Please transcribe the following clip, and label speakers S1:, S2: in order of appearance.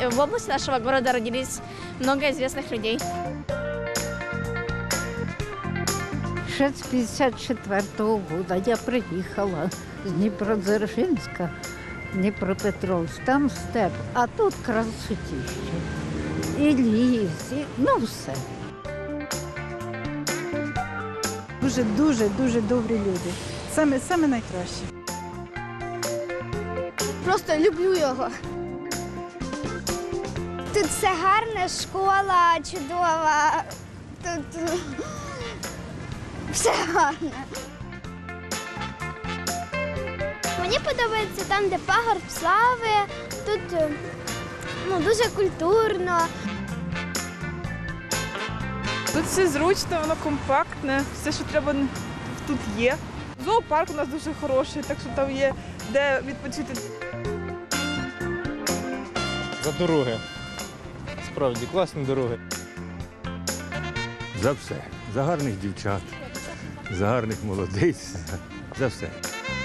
S1: В области нашего города родились много известных людей.
S2: Ще з 54-го года я приїхала з Дніпродзержинська, Дніпропетровськ, там степ, а тут красотіще. І ліс, ну все.
S3: Дуже добрі люди. Саме найкраще.
S4: Просто люблю його. Тут все гарне, школа чудова. Тут все гарне. Мені подобається там, де пагорб слави. Тут дуже культурно.
S5: Тут все зручно, воно компактне, все, що треба, тут є. Зоопарк у нас дуже хороший, так що там є де відпочити.
S6: За дороги. Справді, класні дороги.
S7: За все. За гарних дівчат, за гарних молодиць, за все.